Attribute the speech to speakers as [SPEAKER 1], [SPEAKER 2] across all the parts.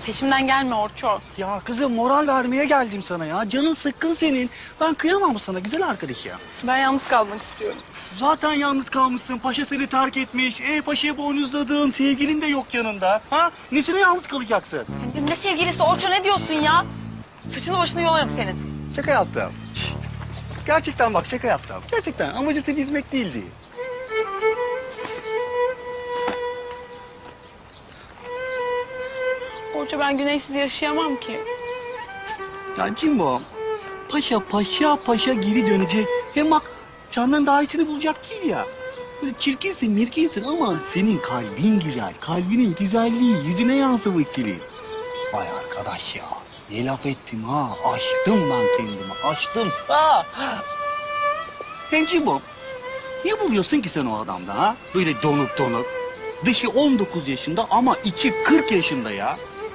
[SPEAKER 1] Peşimden gelme Orço.
[SPEAKER 2] Ya kızım moral vermeye geldim sana ya. Canın sıkkın senin. Ben kıyamam sana güzel arkadaş ya.
[SPEAKER 1] Ben yalnız kalmak istiyorum.
[SPEAKER 2] Zaten yalnız kalmışsın. Paşa seni terk etmiş. Paşa'yı boynuzladın. Sevgilin de yok yanında. Ha? Nesine yalnız kalacaksın?
[SPEAKER 1] Ne sevgilisi Orço, ne diyorsun ya? Saçını başını yolarım senin.
[SPEAKER 2] Şaka yaptım. Şşş. Gerçekten bak şaka yaptım. Gerçekten amacım seni üzmek değildi.
[SPEAKER 1] Orço, ben güneşsiz yaşayamam ki.
[SPEAKER 2] Ya Cimbo, paşa geri dönecek. Hem bak candan daha iyisini bulacak değil ya. Böyle çirkinsin, mirkinsin ama senin kalbin güzel. Kalbinin güzelliği yüzüne yansımış senin. Vay arkadaş ya. Ne laf ettim ha. Açtım ben kendimi. Açtım. Ha. Hem Cimbo, niye buluyorsun ki sen o adamda ha? Böyle donuk donuk. Dışı 19 yaşında ama içi 40 yaşında ya.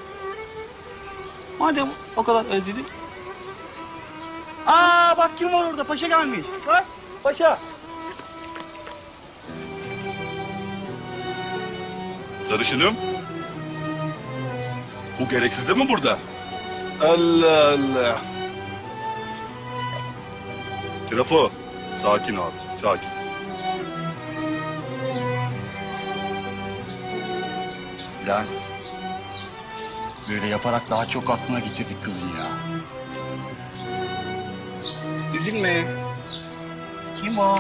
[SPEAKER 2] Madem o kadar özledin. Aa bak kim var orada? Paşa gelmiş. Bak paşa.
[SPEAKER 3] Sarışınım. Bu gereksiz de mi burada? Allah Allah. Trafo. Sakin abi. Sakin.
[SPEAKER 2] Lan. Böyle yaparak daha çok aklına getirdik kızın ya. Üzülme. Kim o?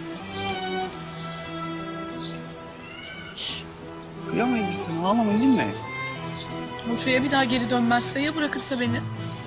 [SPEAKER 2] Şşş. Kıyamayız biz sana. Ağlama üzülme.
[SPEAKER 1] Orço'ya bir daha geri dönmezse, ya bırakırsa beni?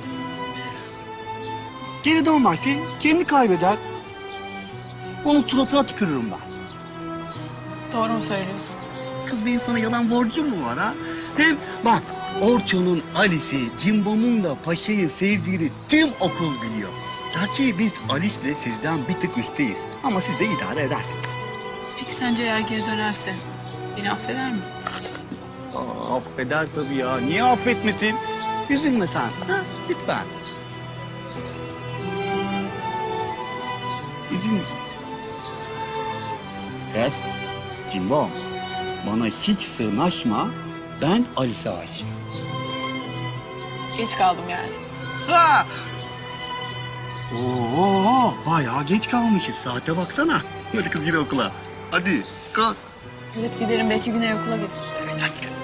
[SPEAKER 2] Geri dönmezse kendini kaybeder. Onun suratına tükürürüm ben.
[SPEAKER 1] Doğru mu söylüyorsun?
[SPEAKER 2] Kız benim sana yalan borcum mu var ha? Hem bak Orço'nun Alice'i, Cimbom'un da Paşa'yı sevdiğini tüm okul biliyor. Gerçi biz Alice'le sizden bir tık üstteyiz. Ama siz de idare edersiniz.
[SPEAKER 1] Peki sence eğer geri dönerse beni affeder mi?
[SPEAKER 2] Aa, affeder tabii ya. Niye affetmesin? Üzülme sen. Ha? Lütfen. Üzülme. Kız, Cimbom. Bana hiç sığınaşma. Ben Alice'e aşığım.
[SPEAKER 1] Geç kaldım yani.
[SPEAKER 2] Ha! Oo, bayağı geç kalmışız. Saate baksana. Hadi kız gir okula. Hadi kalk.
[SPEAKER 1] Evet, giderim, belki Güney okula getirir.
[SPEAKER 2] Evet hadi.